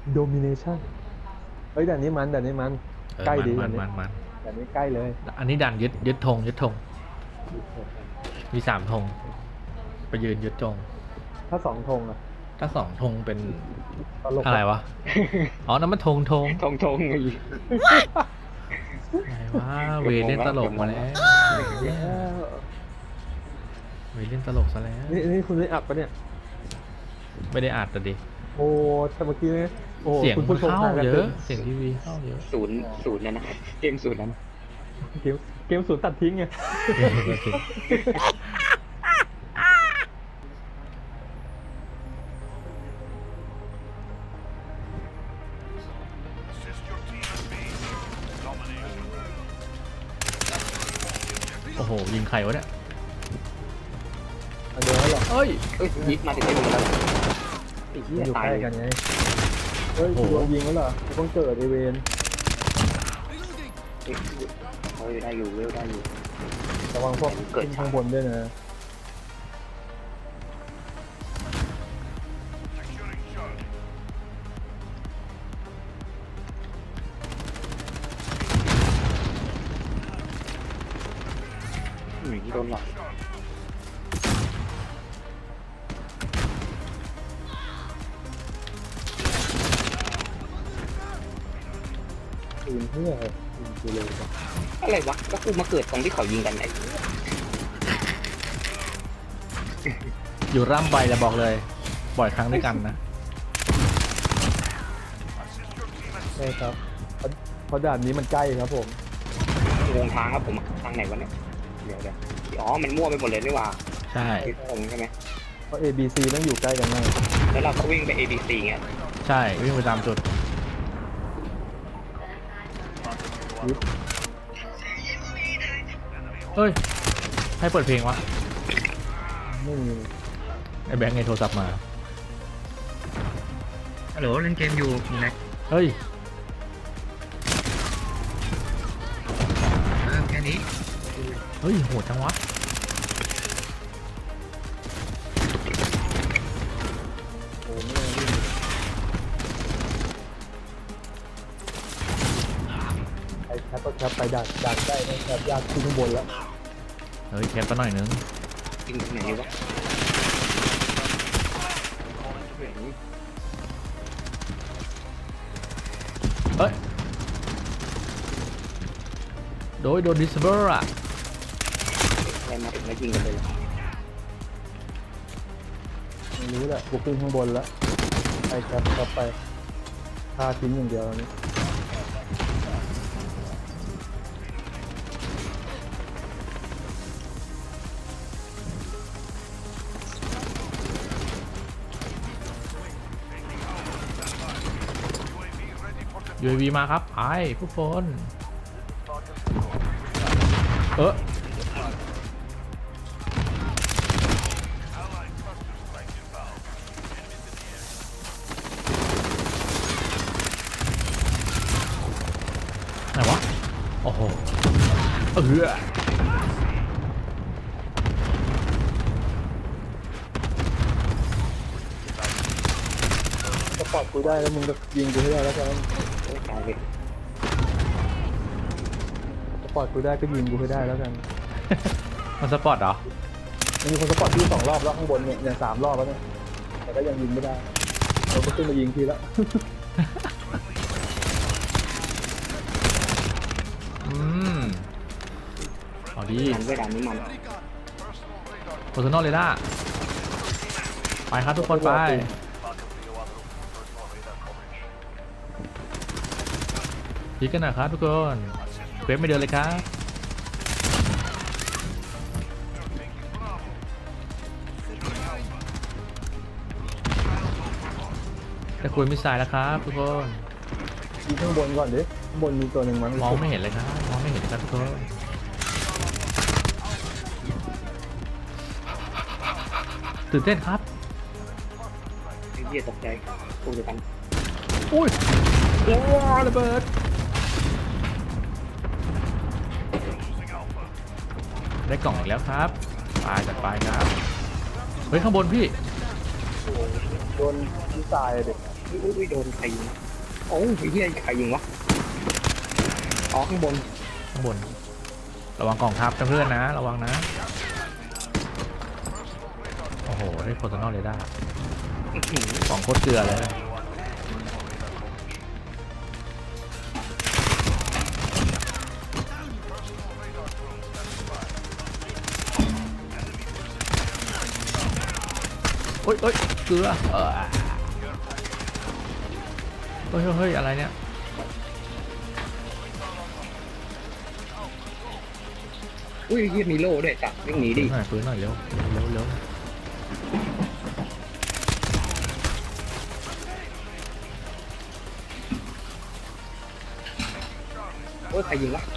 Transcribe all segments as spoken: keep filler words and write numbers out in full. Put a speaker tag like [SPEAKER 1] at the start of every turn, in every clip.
[SPEAKER 1] domination เฮ้ยแต่นี้มันแต่นี้มันใกล้ดี
[SPEAKER 2] มันมันมัน
[SPEAKER 1] แต่นี้ใกล้เลย
[SPEAKER 2] อันนี้ดันยึดยึดธงยึดธงมีสามธงไปยืนยึดธง
[SPEAKER 1] ถ้าสองธงอะ
[SPEAKER 2] ถ้าสองธงเป็น
[SPEAKER 1] ตลก
[SPEAKER 2] อะไรวะอ๋อนั่นมันธงธง
[SPEAKER 3] ทงทงอีก
[SPEAKER 2] ไงวะเวเล่นตลกมาแล้วเวเล่นตลกซะแล้ว
[SPEAKER 1] นี่นี่คุณได้อัดปะเนี่ย
[SPEAKER 2] ไม่ได้อัดแต่ดิ
[SPEAKER 1] โอ้แต่เมื่อกี้เนี่ยโอ้
[SPEAKER 2] เสียง
[SPEAKER 1] คุณ
[SPEAKER 2] มั
[SPEAKER 1] ผู้
[SPEAKER 2] น
[SPEAKER 1] ชม
[SPEAKER 2] เข้า
[SPEAKER 1] ทางกัน
[SPEAKER 2] เย
[SPEAKER 1] เต็
[SPEAKER 2] อะ
[SPEAKER 1] ม
[SPEAKER 2] เสียงทีวีเข้าเยอะ
[SPEAKER 3] ศูนย์ศูนย์นะนะเกมศูนย์นั้น
[SPEAKER 1] เกมเกมศูนย์ตัดทิ้งไง
[SPEAKER 2] โอ้โหยิงใครวะเนี่ย
[SPEAKER 1] เดี๋ยวหรอ
[SPEAKER 2] เอ้ย
[SPEAKER 3] เอ้ยยิงมาถึงได้ดูแล้วไอ้เหี้ย
[SPEAKER 1] อยู่
[SPEAKER 3] ตาย
[SPEAKER 1] ใกล้
[SPEAKER 3] เลย
[SPEAKER 1] กันไงเฮ้ยโดนยิงแล้วเหรอต้องเกิดไอเวน
[SPEAKER 3] เฮ้ยได้อยู่เวลได้อยู่
[SPEAKER 1] ระวังพวกขึ้นข้างบนด้วยนะ
[SPEAKER 3] อืมโดนหลอก
[SPEAKER 1] ปืนเพื่อปืนกูเลยปะ
[SPEAKER 3] อะไรวะก็กูมาเกิดตรงที่เขายิงกันไอ้
[SPEAKER 2] อยู่ร่ำใบจะบอกเลยบ่อยครั้งด้วยกันนะ
[SPEAKER 1] ใช่ครับเพราะด่านนี้มันใกล้ครับผม
[SPEAKER 3] วงทางครับผมทางไหนวะเนี่ยเดี๋ยวเดี๋ยวอ๋อมันมั่วไปหมดเลยนี่หว่า
[SPEAKER 2] ใช่
[SPEAKER 3] ที่ตรงใช่ไหม
[SPEAKER 1] เพราะ A B C ต้องอยู่ใกล้กันมาก
[SPEAKER 3] แล้วเราก็วิ่งไป A B C เงี้ย
[SPEAKER 2] ใช่วิ่งไปตามจุดเฮ้ยให้เปิดเพลงวะ
[SPEAKER 1] ไม่มี
[SPEAKER 2] ไอ้แบงค์ไงโทรศัพท์มา
[SPEAKER 3] ฮัลโหลเล่นเกมอยู่ไหน
[SPEAKER 2] เฮ้ย
[SPEAKER 3] แค่นี้
[SPEAKER 2] เฮ้ยโหดจังวะ
[SPEAKER 1] โอ้ไม่ได้วิ่งไปแคปก็แคปไปดักดักได้นะแคปยากขึ้นข้างบนแล้ว
[SPEAKER 2] เฮ้ยแคปไปหน่อยนึง
[SPEAKER 3] ยิงที่ไหนดีวะ
[SPEAKER 2] เฮ้ยโดยโดนดิสเบอร์อะ
[SPEAKER 3] อะไรมาถึงแล้วยิงกันเลย
[SPEAKER 1] ไม่รู้แหละกูขึ้นข้างบนแล้วไปแคปแคปไปฆ่าทิ้งอย่างเดียวนี่
[SPEAKER 2] ยู เอ วี มาครับไอ้ผู้คนเออไหนวะโอ้โหเออ
[SPEAKER 1] สปอร์ตกูได้แล้วมึงก็ยิงกูให้ได้แล้วกัน
[SPEAKER 3] ตายเลย
[SPEAKER 1] สปอร์ตกูได้ก็ยิงกูให้ได้แล้วกัน
[SPEAKER 2] มันสปอร์ตเหรอ
[SPEAKER 1] มันมีคนสปอร์ตที่สองรอบแล้วข้างบนเนี่ยอย่างสามรอบแล้วเนี่ยแต่ก็ยังยิงไม่ได้เราก็ขึ้นมายิงทีละ
[SPEAKER 2] อืมเอาดี
[SPEAKER 3] มันเวลานี้มัน
[SPEAKER 2] โพสโนเลยล่ะไปครับทุกคนไปพีกันหน่อยครับทุกคนเควสไม่เดินเลยครับจะคุยมิสไซล์แล้วครับทุกคน
[SPEAKER 1] ยิงข้างบนก่อนดิข้างบนมีตัวหนึ่งมั้ง
[SPEAKER 2] มองไม่เห็นเลยครับมองไม่เห็นครับทุกคนตื่นเต้นครับ
[SPEAKER 3] ไอ้เหี้ยตกใจกูจะกัน
[SPEAKER 2] อุ้ยโอ้ระเบิดได้กล่องอีกแล้วครับไปจัดไปครับเฮ้ยข้างบนพี่
[SPEAKER 1] โดนที่ตายเด็ก
[SPEAKER 3] อุ้ยอุ้ยโดนใครยิงโอ้ยไอ้เหี้ยใครยิงวะอ๋อข้างบน
[SPEAKER 2] ข้างบนระวังกองทัพนะเพื่อนนะระวังนะโอ้โหได้โพสต์นอลเลยได้
[SPEAKER 3] อื้อหือ
[SPEAKER 2] ของโคตรเกลือเลยโอ้ยโอ้ยเกลือเออเฮ้ยเฮ้ยอะไรเนี่ย
[SPEAKER 3] อุ้ยเหี้ยมีโล่ด้วยจับวิ่งหนีดิ
[SPEAKER 2] หน่อยปืนหน่อยเร็วเร็วเร็ว
[SPEAKER 3] โอ้ยใครยิงวะ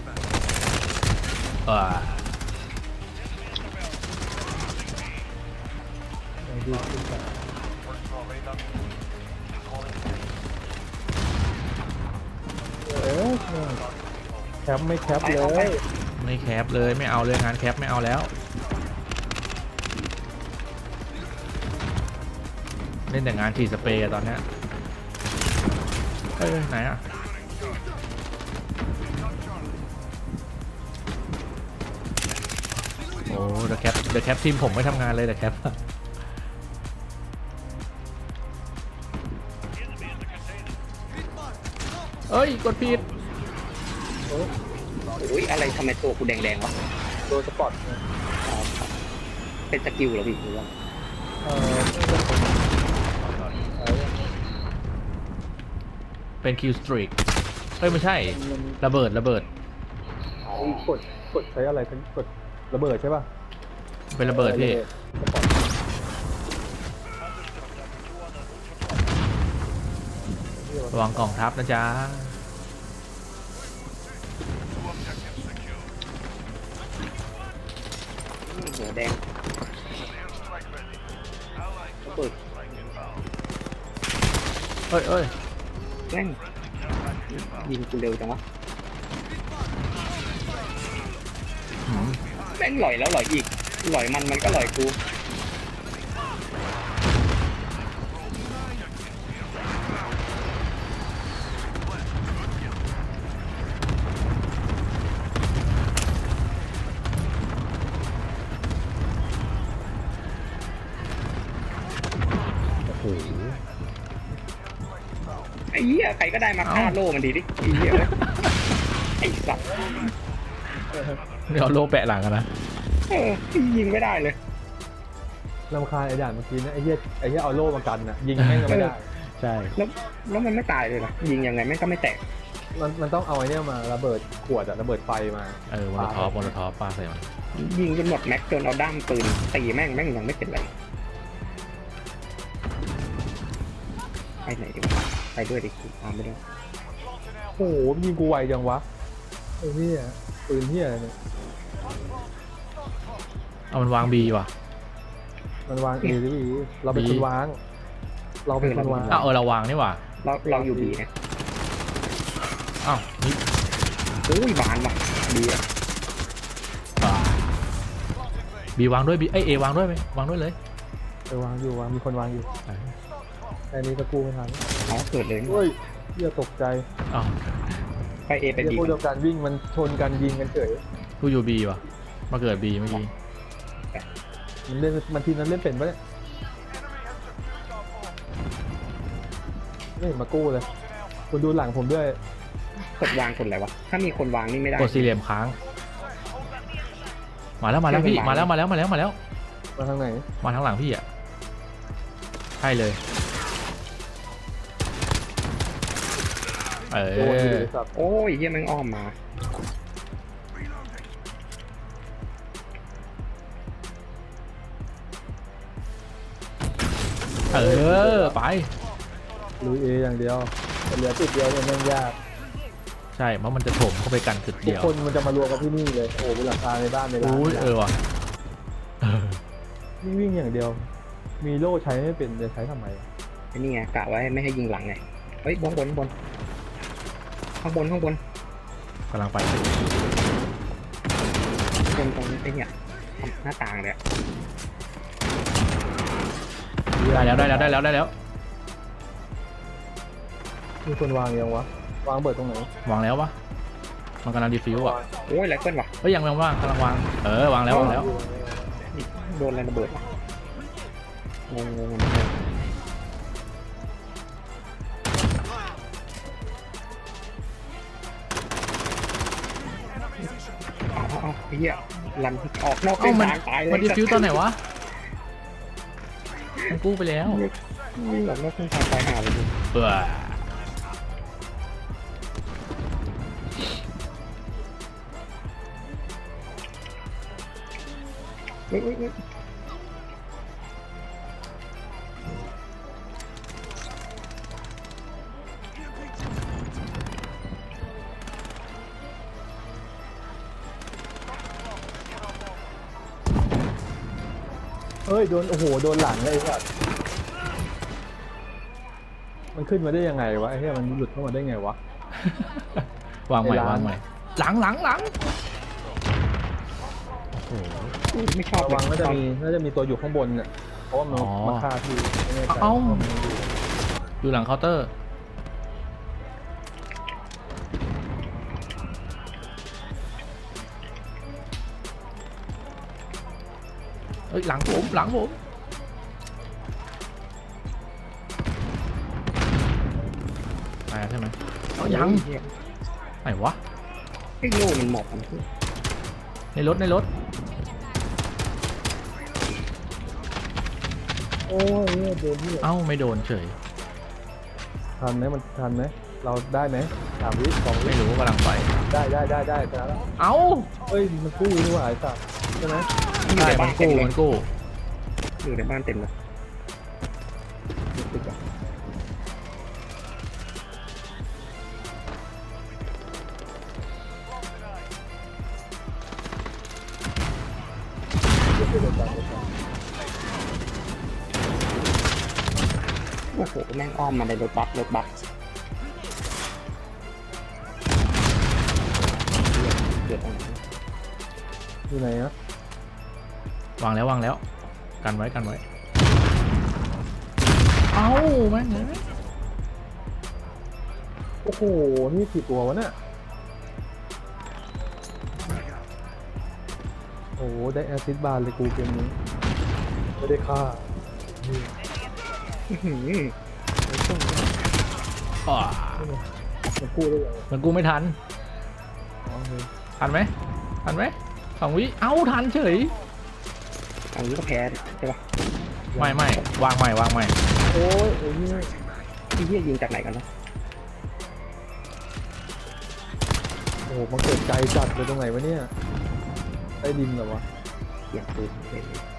[SPEAKER 2] เออ
[SPEAKER 1] ดูขึ้นไปเออแคปไม่แคปเลย
[SPEAKER 2] ไม่แคปเลยไม่เอาเลยงานแคปไม่เอาแล้วเล่นแต่งานฉีดสเปรย์ตอนเนี้ยเฮ้ยไหนอ่ะโอ้เดอะแคปเดอะแคปทีมผมไม่ทำงานเลยเดอะแคปเอ้ยกดผิด
[SPEAKER 3] อุ้ยอะไรทำไมตัวกูแดงๆวะ
[SPEAKER 1] โดนสปอร์ต
[SPEAKER 3] อ๋อเป็นสกิลเหรอพี่หรือว่า
[SPEAKER 1] เออเออ
[SPEAKER 2] เป็นคิวสตรีกเฮ้ยไม่ใช่
[SPEAKER 1] มัน
[SPEAKER 2] ระเบิดระเบิด
[SPEAKER 3] อ๋อก
[SPEAKER 1] ดกดใช้อะไรทั้งกดระเบิดใช่ป่ะ
[SPEAKER 2] เป็นระเบิดพี่
[SPEAKER 1] สปอร์ต
[SPEAKER 2] ระวังกองทัพนะจ๊ะ
[SPEAKER 3] หัวแดงระเบิด
[SPEAKER 2] เอ้ยเอ้ย
[SPEAKER 3] แม่งยิงกูเร็วจังวะ
[SPEAKER 2] หืม
[SPEAKER 3] แม่งหล่อยแล้วหล่อยอีกหล่อยมันมันก็หล่อยกู
[SPEAKER 2] โอ้โห
[SPEAKER 3] ไอ้เหี้ยใครก็ได้มาฆ่าโล่มันดีดิไอ้เหี้ยเว้ยไอ้สัตว์
[SPEAKER 2] นี่เอาโล่แปะหลังกันนะ
[SPEAKER 3] เออยิงไม่ได้เลย
[SPEAKER 1] รำคาญไอ้ด่านเมื่อกี้นะไอ้เหี้ยไอ้เหี้ยเอาโล่มากันนะยิงแม่งก็ไม่ได้
[SPEAKER 2] ใช่
[SPEAKER 3] แล้วแล้วมันไม่ตายเลยนะยิงยังไงแม่งก็ไม่แตก
[SPEAKER 1] มันมันต้องเอาไอ้เนี่ยมาระเบิดขวดอะระเบิดไฟมา
[SPEAKER 2] เออมอลโลทอฟมอลโลทอฟปาใส่มัน
[SPEAKER 3] ยิงจนหมดแม็กจนเอาด้ามปืนตีแม่งแม่งยังไม่เป็นไรไปไหนดีวะไปด้วยดิตามไม่ได้
[SPEAKER 1] โอ้โหยิงกูไวจังวะไอ้เหี้ยปืนเหี้ยเนี่ย
[SPEAKER 2] เอามันวางบีว่ะ
[SPEAKER 1] มันวางเอหรือบีเราเป็นคนวาง เราเป็นคนวาง
[SPEAKER 2] อ้าวเออเราวางนี่ว่ะ
[SPEAKER 3] เราเราอยู่บีนะ
[SPEAKER 2] อ้าวนี่
[SPEAKER 3] โอ้ยบานว่ะบีอะ
[SPEAKER 2] บีวางด้วยบีเอ้ยเอวางด้วยไหมวางด้วยเลย
[SPEAKER 1] เออวางอยู่วางมีคนวางอยู่แค่นี้ก็กู้ไม่ทัน
[SPEAKER 3] อ๋อเกิดเลยนี่
[SPEAKER 1] เฮ้ยเหี้ยตกใจ
[SPEAKER 2] อ้าว
[SPEAKER 3] ไปเอไป
[SPEAKER 1] เหี้ย
[SPEAKER 3] บี
[SPEAKER 1] พวกเดียวกันวิ่งมันชนกันยิงกันเฉย
[SPEAKER 2] กูอยู่บีว่ะมาเกิดบีเมื่อกี้
[SPEAKER 1] มันเล่นมันทีมนั้นเล่นเป็นปะเนี่ยไม่เห็นมากู้เลยคุณดูหลังผมด้วย
[SPEAKER 3] กดวางกดอะไรวะถ้ามีคนวางนี่ไม่ได้
[SPEAKER 2] กดสี่เหลี่ยมค้าง มาแล้วมาแล้วพี่มาแล้วมาแล้วมาแล้วมาแล้ว
[SPEAKER 1] มาทางไหน
[SPEAKER 2] มาทางหลังพี่อ่ะใช่เลยเอ
[SPEAKER 1] โดนอยู่
[SPEAKER 2] อ
[SPEAKER 1] เลยสับ
[SPEAKER 3] โอ้ยเฮียแม่งอ้อมมา
[SPEAKER 2] เออไป
[SPEAKER 1] ลุยเออย่างเดียวแต่เหลือจุดเดียวเนี่ยแม่งยาก
[SPEAKER 2] ใช่เพราะมันจะถมเข้าไปกันจุด
[SPEAKER 1] ทุก
[SPEAKER 2] เดียว
[SPEAKER 1] คนมันจะมารวมกันที่นี่เลยโอ้โหเป็นหลังคาในบ้านในร้าน
[SPEAKER 2] อุ้ยเออว่ะเออ
[SPEAKER 1] วิ่งวิ่งอย่างเดียว มีโล่ใช้ไม่เป็นจะใช้ทำไม
[SPEAKER 3] ไอ้นี่ไงกะไว้ไม่ให้ยิงหลังไงเฮ้ยบนบนบนข้างบนข้างบน
[SPEAKER 2] กำลังไป
[SPEAKER 3] บนตรงไอ้เนี่ยหน้าต่างเลยอะ
[SPEAKER 2] ได้แล้วได้แล้วได้แล้วได้แล้ว
[SPEAKER 1] มีคนวางยังวะวางเบิดตรงไหน
[SPEAKER 2] วางแล้ววะมันกำลังดีฟิวอ่ะ
[SPEAKER 3] โอ้ยไรเกิลว่ะ
[SPEAKER 2] เอ้ยยังยังว่างกำลังวางเออวางแล้ววางแล้ว
[SPEAKER 3] โดนอะไรระเบิดวะงงงงงงเอาเอาเอาไอ้เหี้ยลันออกนอกเส้
[SPEAKER 2] เอ้าน มัน
[SPEAKER 3] ทางตายเลย
[SPEAKER 2] มันดีฟิวตอนไหนวะมันกู้ไปแล้ว
[SPEAKER 3] นี่ออกนอกเส้นทางตายหาเลยดิ
[SPEAKER 2] เบื่อ
[SPEAKER 3] เฮ้ยเฮ้ยเฮ้ย
[SPEAKER 1] เอ้ยโดนโอ้โหโดนหลังเลยไอ้สัสมันขึ้นมาได้ยังไงวะไอ้เหี้ยมันหลุดเข้ามาได้ไงวะ
[SPEAKER 2] วางใหม่
[SPEAKER 1] ไอ้ร้าน
[SPEAKER 2] วางใหม่หลังหลังหลังโอ้โห
[SPEAKER 3] ไม่ชอบ
[SPEAKER 1] ระวังน่าจะมีน่าจะมีตัวอยู่ข้างบนเนี่ยเพราะว่ามัน
[SPEAKER 2] อ๋อ
[SPEAKER 1] มาฆ่าพี่ไม่แน่ใจ
[SPEAKER 2] เอ้า
[SPEAKER 1] ว่ามันอยู่
[SPEAKER 2] อยู่หลังเคาน์เตอร์เอ้ยหลังผมหลังผมตายแล้วใช่ไหมเอายัง
[SPEAKER 3] เหี้ย
[SPEAKER 2] ไหนวะ
[SPEAKER 3] ไอ้โล่มันหมอบ
[SPEAKER 2] ในรถในรถ
[SPEAKER 1] โอ้ยเนี่ยโดนที่
[SPEAKER 2] เอ้าไม่โดนเฉย
[SPEAKER 1] ทันไหมมันทันไหมเราได้ไหมสามวิสองวิ
[SPEAKER 2] ไม่รู้กำลังไป
[SPEAKER 1] ได้ได้ได้ได้ชนะแล้ว
[SPEAKER 2] เอ้า
[SPEAKER 1] เฮ้ยมันกู้นี่หว่าไอ้สัสใช่ไหม
[SPEAKER 3] อยู่
[SPEAKER 2] ใช่
[SPEAKER 3] ใน
[SPEAKER 2] มั
[SPEAKER 3] บ้าน
[SPEAKER 2] น
[SPEAKER 3] เต็ม
[SPEAKER 2] กู้
[SPEAKER 3] เลย
[SPEAKER 2] มันกู้
[SPEAKER 3] อยู่ในบ้านเต็มเลย
[SPEAKER 1] ติดอ่ะ
[SPEAKER 3] โอ้โหแม่งอ้อมมาในรถบัสรถบัสเกิดอะไร
[SPEAKER 1] อยู่ไหนอะ
[SPEAKER 2] วางแล้ววางแล้ว กันไว้กันไว้ เอ้าแม่งเอ้ย
[SPEAKER 1] โอ้โหนี่กี่ตัววะเนี่ยโอ้โหได้แอซิดบาร์เลยกูเกมนี้ไม่ได้ฆ่านี่
[SPEAKER 3] อื้อหือ
[SPEAKER 2] อ่า
[SPEAKER 1] มันกู้ได้ยังไง
[SPEAKER 2] มันกู้ไม่ทัน
[SPEAKER 1] อ๋อเฮ้ย
[SPEAKER 2] ทันไหมทันไหมสองวิ เอ้าทันเฉย
[SPEAKER 3] อันนี้ก็แพ้ใช่ปะ
[SPEAKER 2] ไม่ไม่วางใหม่วางใหม่
[SPEAKER 1] โอ้ยไอ้นี่
[SPEAKER 3] ที่เหี้ยยิงจากไหนกันเนาะ
[SPEAKER 1] โอ้โหมันเกิดไกลจัดเลยตรงไหนวะเนี่ยใต้ดินเหรอวะ
[SPEAKER 3] เสียงปืนเลย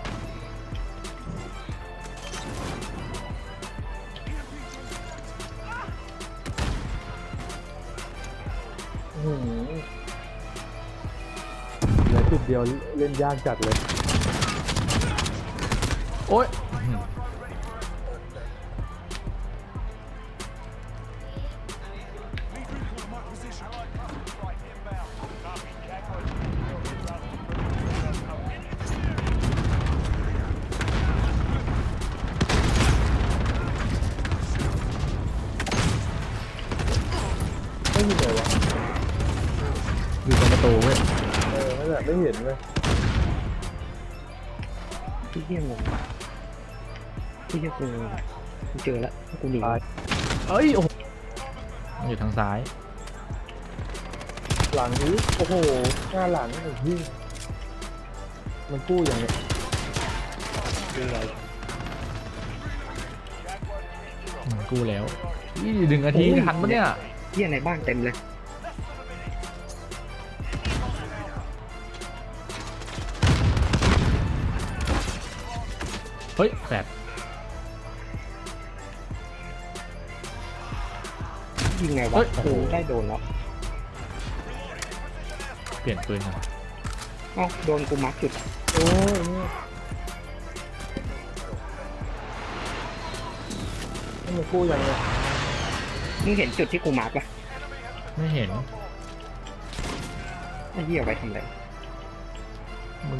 [SPEAKER 1] อื้อหือเหลือจุดเดียวเล่นยากจัดเลย
[SPEAKER 2] โอ๊ย
[SPEAKER 1] ไม่มีเลยวะ
[SPEAKER 2] อยู่ตรงประตูเว้ย
[SPEAKER 1] เออนั่นแหละไม่เห็นเลย
[SPEAKER 3] ที่เหี้ยงงที่เหี้ยกูกูเจอแล้วกูหนี
[SPEAKER 1] ตาย
[SPEAKER 2] เอ้ยโอ้โหมันอยู่ทางซ้าย
[SPEAKER 1] หลังนี้โอ้โหหน้าหลังไอ้ที่มันกู้อย่างเนี้ย
[SPEAKER 3] ยิงอะไร
[SPEAKER 2] อืมกู้แล้วนี่หนึ่งนาทีทันปะเนี่ย
[SPEAKER 3] เหี้ยในบ้านเต็มเลย
[SPEAKER 2] เฮ้ยแฟด
[SPEAKER 3] ยิงไงวะโอ้โหได้โดนแล้ว
[SPEAKER 2] เปลี่ยนปืนก่อน
[SPEAKER 3] เอ้าโดนกูมาร์คจุด
[SPEAKER 1] โอ้ยเนี่ยนี่มันกู้อย่างเนี้ย
[SPEAKER 3] มึงเห็นจุดที่กูมาร์คปะ
[SPEAKER 2] ไม่เห็น
[SPEAKER 3] ไอ้เหี้ยเอาไว้ทำอะไร
[SPEAKER 2] มึง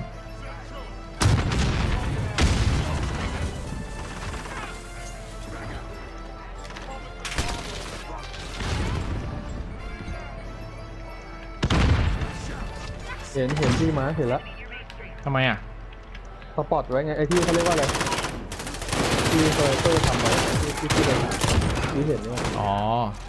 [SPEAKER 1] เห็นเห็นที่ม้าเห็นแล้ว
[SPEAKER 2] ทำไมอ่ะ
[SPEAKER 1] สปอตไว้ไงไอ้ที่เขาเรียกว่าอะไรที่เซอร์เตอร์ทำไว้ที่ที่ที่เราที่เห็นเนี่ย
[SPEAKER 2] อ๋อ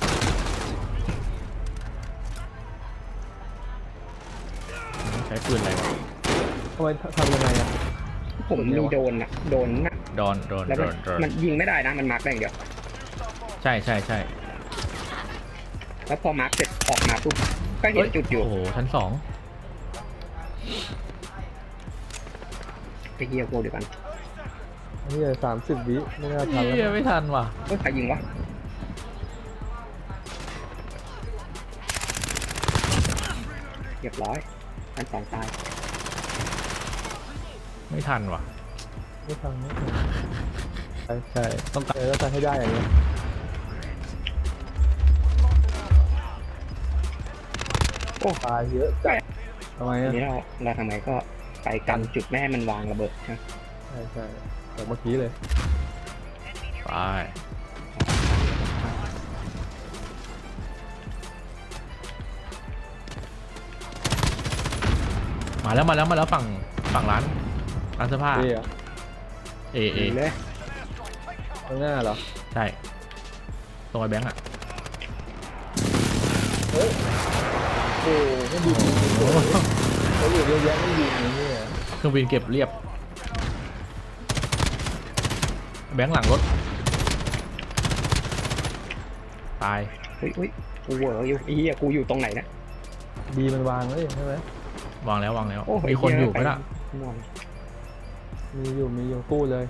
[SPEAKER 2] ใช้ปืนอะไรวะ
[SPEAKER 1] ทำไมทำยังไงอ่ะ
[SPEAKER 3] ผมมีโดนอะโดนนะ
[SPEAKER 2] โดนโดน
[SPEAKER 3] แล้ว
[SPEAKER 2] โด
[SPEAKER 3] มัน
[SPEAKER 2] นโดน
[SPEAKER 3] มันยิงไม่ได้นะมันมาร์กได้อย่างเดียว
[SPEAKER 2] ใช่ใช่ใช่
[SPEAKER 3] แล้วพอมาร์กเสร็จออกมาปุ๊บก็เห็นจุดอยู่
[SPEAKER 2] โอ้โหชั้นสอง
[SPEAKER 3] ไปเฮียกูเดี๋ยวกัน
[SPEAKER 1] นี่สามสิบวิไม่น่าทัน
[SPEAKER 2] เฮีย
[SPEAKER 1] แล้ว
[SPEAKER 2] ไม่ทันว่ะ
[SPEAKER 3] เฮ้ยใครยิงวะเรียบร้อยชั้นสองตาย
[SPEAKER 2] ไม่ทันว่ะ
[SPEAKER 1] ไม่ทันไม่ทันใช่ใช่ต้องการแล้วจะให้ได้อย่างเงี้ยโอ้ตายเยอะจัดทำไม
[SPEAKER 3] ที
[SPEAKER 1] อ่ะ
[SPEAKER 3] นี้เราเราทำไงก็ไปกันจุดแม่ให้มันวางระเบิดนะ
[SPEAKER 1] ใช่ใช่แต่เมื่อกี้เลย
[SPEAKER 2] ไปมาแล้วมาแล้วมาแล้วฝั่งฝั่งร้านร้านเสื้อผ้า
[SPEAKER 1] เอ๊ะ
[SPEAKER 2] เอเอ
[SPEAKER 3] ยิงเลย
[SPEAKER 1] ข้างหน้าเหรอ
[SPEAKER 2] ใช่ตรงไอ้แบงค์อ่ะ
[SPEAKER 1] เฮ้ยโอ้ไม่ดีเขาอยู่เยอะแยะไม่ดีอย่างนี้อ่ะ
[SPEAKER 2] เครื่องบินเก็บเรียบแบงค์หลังรถตาย
[SPEAKER 3] อุ้ยอุ้ยกูเหวออยู่ไอ้เหี้ยกูอยู่ตรงไหนนะ
[SPEAKER 1] ดีมันวางเลยใช่ไหม
[SPEAKER 2] วางแล้ววางแล้ว
[SPEAKER 3] โอ้โห
[SPEAKER 2] มีคนอยู่ไหม
[SPEAKER 3] เหี้
[SPEAKER 2] ล่ะ
[SPEAKER 3] ม่วง
[SPEAKER 1] มีอยู่มีอยู่กู้เลย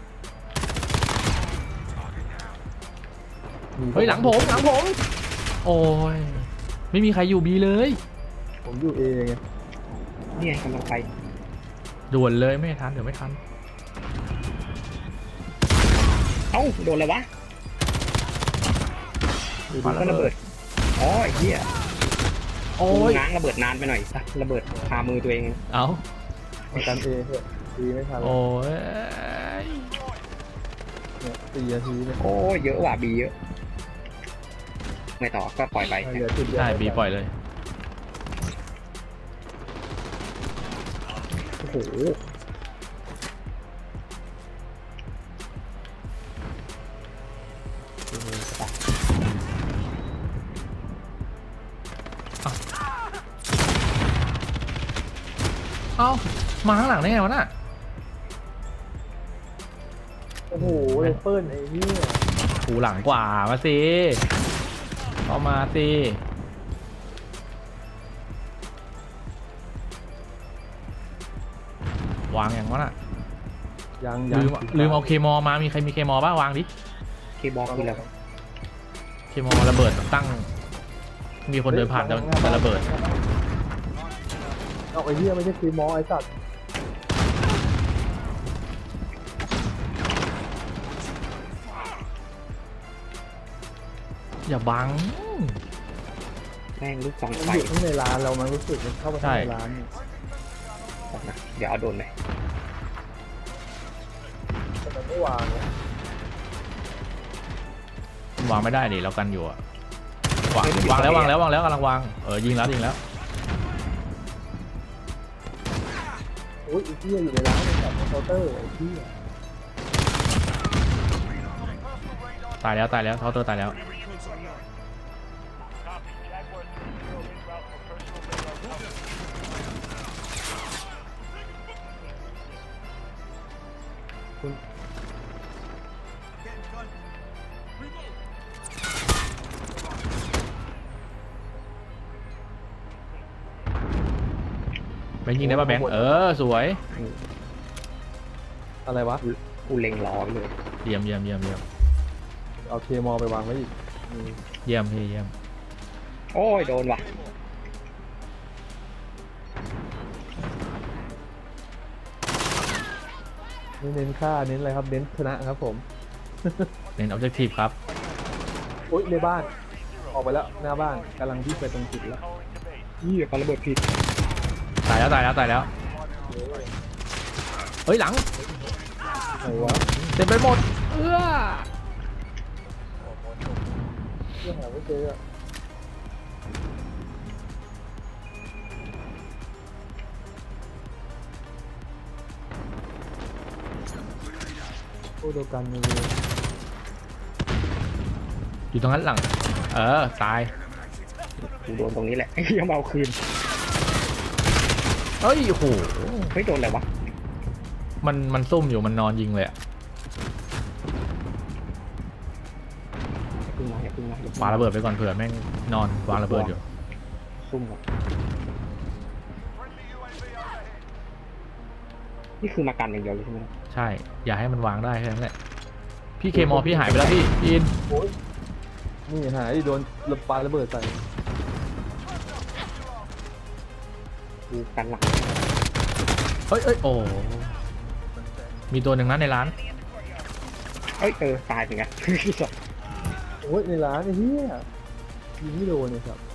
[SPEAKER 1] มี
[SPEAKER 2] เฮ้ยหลังผมหลังผม โอ้ยไม่มีใครอยู่บีเลย
[SPEAKER 1] ผมอยู่เอไง
[SPEAKER 3] นี่ไงกำลังไป
[SPEAKER 2] ด่วนเลยไม่ทันเดี๋ยวไม่ทัน
[SPEAKER 3] เอ้าโดนอะไรวะ
[SPEAKER 1] อยู่
[SPEAKER 2] ปา
[SPEAKER 1] ดี
[SPEAKER 2] ระ
[SPEAKER 3] ก็ระ
[SPEAKER 2] เบิ
[SPEAKER 3] เบิ
[SPEAKER 2] ด
[SPEAKER 3] ดอ๋อไอ้เหี้ย
[SPEAKER 2] โอ้
[SPEAKER 3] กู
[SPEAKER 2] ย
[SPEAKER 3] ง้างระเบิดนานไปหน่อยสักระเบิดคามือตัวเอง
[SPEAKER 2] เอา
[SPEAKER 1] มากันเอเถอะดีไม่ทัน
[SPEAKER 2] โอ้ย
[SPEAKER 1] เนี่ยสี่นาทีเนี่ย
[SPEAKER 3] โอ้เยอะว่ะบีเยอะ ไม่ต่อก็ปล่อยไป
[SPEAKER 1] เหลือจุดเดียว
[SPEAKER 2] ใช่บีปล่อยเลย
[SPEAKER 3] โอ้โห
[SPEAKER 2] เอ้ามาข้างหลังได้ไงวะน่ะ
[SPEAKER 1] โอ้โหเลยเปิ้ลไอ้เนี่ย
[SPEAKER 2] หูหลังกว่ามาสิเอามาสิวางอย่างวะน่ะ
[SPEAKER 1] ยังยัง
[SPEAKER 2] ลืมลืมเอาเคมอมามีใครมีเคมอบ้างวางดิ
[SPEAKER 3] เคบอกคือแล้ว
[SPEAKER 2] เคมอระเบิดตั้ง มีคนเดินผ่านจะจะระเบิด
[SPEAKER 1] เอาไอ้เหี้ยไม่ใช่คีมอไอ้สัตว์
[SPEAKER 2] อย่าบัง
[SPEAKER 3] แม่งลูกสอง
[SPEAKER 1] มัน
[SPEAKER 3] ไฟ
[SPEAKER 1] อยู่ข้างในร้านเรามันรู้สึกมันเข้าไปข้างในร้านเนี่ย
[SPEAKER 3] นะเดี๋ยวเอาโดนไป
[SPEAKER 1] แต่มันไม่วางเนี่ยว
[SPEAKER 2] างไม่ได้ดิเรากันอยู่อะวางวางแล้ววางแล้ววางแล้วกำลังวางเออยิงแล้วยิงแล้ว
[SPEAKER 1] โอ้ยไอ้เหี้ยอยู่ในร้านเนี่ยแบบเคาน์เตอร์ไอ้เหี้ย
[SPEAKER 2] ตายแล้วตายแล้วเท้าเตอร์ตายแล้ว แบงค์ยิงได้ป่ะแบงค์เออสวย
[SPEAKER 1] อะไรวะ
[SPEAKER 3] กูเล็งรอไว้เลย
[SPEAKER 2] เยี่ยมเยี่ยมเยี่ยมเยี่ยม
[SPEAKER 1] เอาเคมอไปวางไว้อีกอืม
[SPEAKER 2] เยี่ยมพี่เยี่ยม
[SPEAKER 3] โอ้ยโดนว่ะ
[SPEAKER 1] ไม่เน้นค่าเน้นอะไรครับเน้นชนะครับผม
[SPEAKER 2] เน้นออบเจกตีฟครับ
[SPEAKER 1] โอ๊ยในบ้านออกไปแล้วหน้าบ้านกำลังที่ไปตรงจุดแล้ว
[SPEAKER 3] ยี่เขาระเบิดผิด
[SPEAKER 2] ตายแล้วตายแล้วตายแล้วเฮ้ยหลัง
[SPEAKER 1] ไหนวะ
[SPEAKER 2] เต็มไปหมดเอื้อ
[SPEAKER 1] เรื่องหาไม่เจออะอ้โดกันเลย
[SPEAKER 2] อยู่ตรงนั้นหลัง เออ ตาย
[SPEAKER 3] กูโดนตรงนี้แหละไอ้เหี้ยมาเอาคืน
[SPEAKER 2] เอ้ย โอ้โห
[SPEAKER 3] เฮ้ยโดนอะไรวะ
[SPEAKER 2] มันมันซุ่มอยู่ มันนอนยิงเลยอะ
[SPEAKER 3] อย่าพึ่งมาอย่าพึ่งมาอย่าพึ่ง
[SPEAKER 2] วางระเบิดไปก่อนเผื่อแม่งนอนวางระเบิดอยู่
[SPEAKER 3] ซุ่มก่อนนี่คือมากันอย่างเดียวเลยใช่ไหม
[SPEAKER 2] ใช่ อย่าให้มันวางได้แค่นั้นแหละ พี่เคมอพี่หายไปแล้วพี่พี่อิน
[SPEAKER 1] โอ้ยนี่หายโดนระปาระเบิดใส่
[SPEAKER 3] กูกันหลัง
[SPEAKER 2] เอ้ยเอ้ยโอ้ มีตัวหนึ่งนะในร้าน
[SPEAKER 3] เอ้ยเออตายเหมือนกัน
[SPEAKER 1] โอ้ยในร้านไอ้เหี้ยยิงไม่โดนเลยครับ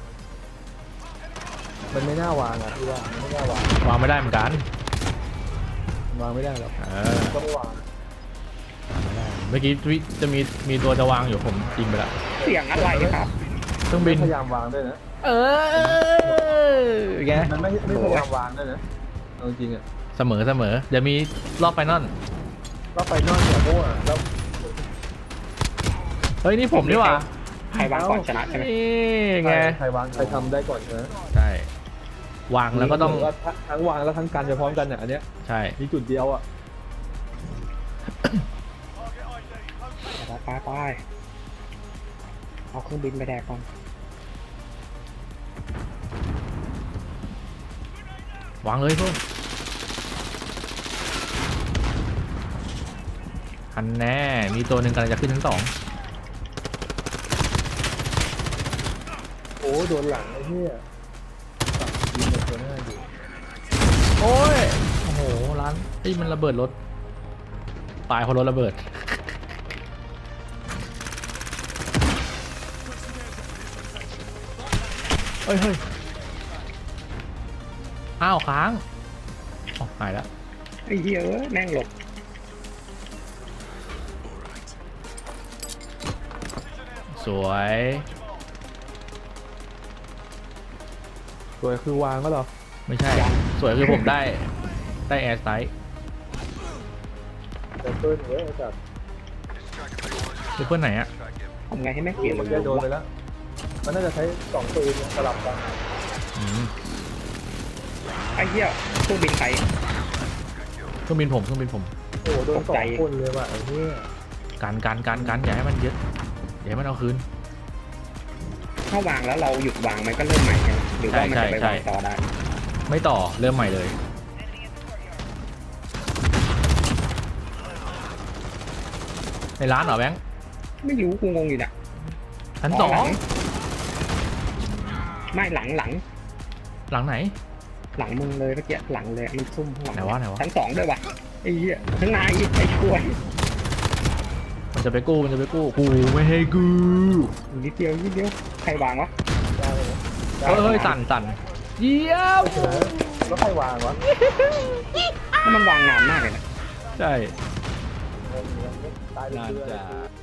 [SPEAKER 1] มันไม่น่าวางอ่ะพี่ว่ามันไม่น่าวาง
[SPEAKER 2] วางไม่ได้เหมือนกัน
[SPEAKER 1] วางไม่ได้หรอก
[SPEAKER 2] เออ
[SPEAKER 1] ก็ไม่วาง
[SPEAKER 2] เมื่อกี้วิจะมีมีตัวจะวางอยู่ผมยิงไปแล้ว
[SPEAKER 3] เสียงอะไรครับ
[SPEAKER 2] เครื่องบิน
[SPEAKER 1] พยายามวางด้วยนะ
[SPEAKER 2] เออแก
[SPEAKER 1] มันไม่ไม่พยายามวางด้วยนะเอาจริงอ่ะ
[SPEAKER 2] เสมอเสมอ เดี๋ยวมีรอบไฟนอล
[SPEAKER 1] ก็ไปนอกเนี่ยเพราะว่าแล้ว
[SPEAKER 2] เฮ้ยนี่ผมนี่หว่า
[SPEAKER 3] ใครวางก่อนชนะใช่ไหม
[SPEAKER 2] นี่ไง
[SPEAKER 1] ใครวางใครทำได้ก่อนนะ
[SPEAKER 2] ใช่ วางแล้วก็ต้อง
[SPEAKER 1] ว่าทั้งวางแล้วทั้งกันไปพร้อมกันเนี่ยอันเนี้ย
[SPEAKER 2] ใช่
[SPEAKER 1] มีจุดเดียวอ่ะ
[SPEAKER 3] ไปไปไปเอาเครื่องบินไปแดกก่อน
[SPEAKER 2] วางเลยพวกอันแน่มีตัวหนึ่งกำลังจะขึ้นชั้นสอง
[SPEAKER 1] โอ้โดนหลังไอ้เหี้ยยิงในตัวหน้าอยู่
[SPEAKER 2] โอ้ยโอ้โหร้านไอ้ยมันระเบิดรถตายเพราะรถระเบิดเฮ้ยเฮ้ยอ้าวค้างอ๋อหายแล้ว
[SPEAKER 3] ไอ้เหี้ยเอ้ยแม่งหลบ
[SPEAKER 2] สวย
[SPEAKER 1] ตัวคือวางก็เหรอ
[SPEAKER 2] ไม่ใช่ สวยคือผมได้ ได้แอร์ไซส์
[SPEAKER 1] แต่เพิ่นเว้ยไอ้สัตว์
[SPEAKER 2] คือเพื่อนไหนอะ
[SPEAKER 3] ทำไงให้แม่งเปลี่ยน
[SPEAKER 1] มันจะโดนไปแล้วมันน่าจะใช้สองปืนเนี่ยสลับกัน
[SPEAKER 2] อืม
[SPEAKER 3] ไอ้เหี้ยเครื่องบินใคร
[SPEAKER 2] เครื่องบินผมเครื่องบินผม
[SPEAKER 1] โอ้โหโดนส
[SPEAKER 3] ต
[SPEAKER 1] อก ง
[SPEAKER 3] ใจ
[SPEAKER 1] คนเลยว่ะไอ้เหี้ย
[SPEAKER 2] การการการการอย่าให้มันยึดอย่าให้มันเอาคืน
[SPEAKER 3] ถ้าวางแล้วเราหยุดวางมันก็เริ่มใหม่ใช่ไหมหรือว่ามันจะไป
[SPEAKER 2] ใช่
[SPEAKER 3] วาง
[SPEAKER 2] ใช่
[SPEAKER 3] ต่อได้
[SPEAKER 2] ไม่ต่อเริ่มใหม่เลย ในร้านเหรอแบงค์
[SPEAKER 3] ไม่รู้กูงงอยู่เนี่ย
[SPEAKER 2] ชั้นสอง
[SPEAKER 3] ไม่หลังหลัง
[SPEAKER 2] หลังไหน
[SPEAKER 3] หลังมึงเลยเมื่อกี้หลังเลยมันซุ่มข้างหลัง
[SPEAKER 2] ไหนวะไหนวะ
[SPEAKER 3] ชั้นสองด้วยวะไอ้เหี้ยข้างในไอ้กล้วย
[SPEAKER 2] มันจะไปกู้มันจะไปกู้กูไม่ให้กู้
[SPEAKER 3] นิดเดียวนิดเดียวใครวางวะ
[SPEAKER 1] ได้เลย
[SPEAKER 2] เฮ้ยเฮ้ยสั่นสั่นเยี่ยม
[SPEAKER 1] เออแล้วใครวางวะ
[SPEAKER 3] ถ้ามันวางนานมากเลยนะ
[SPEAKER 2] ใช่
[SPEAKER 1] ตายไป
[SPEAKER 2] น่า
[SPEAKER 1] เรื่อย
[SPEAKER 2] จะ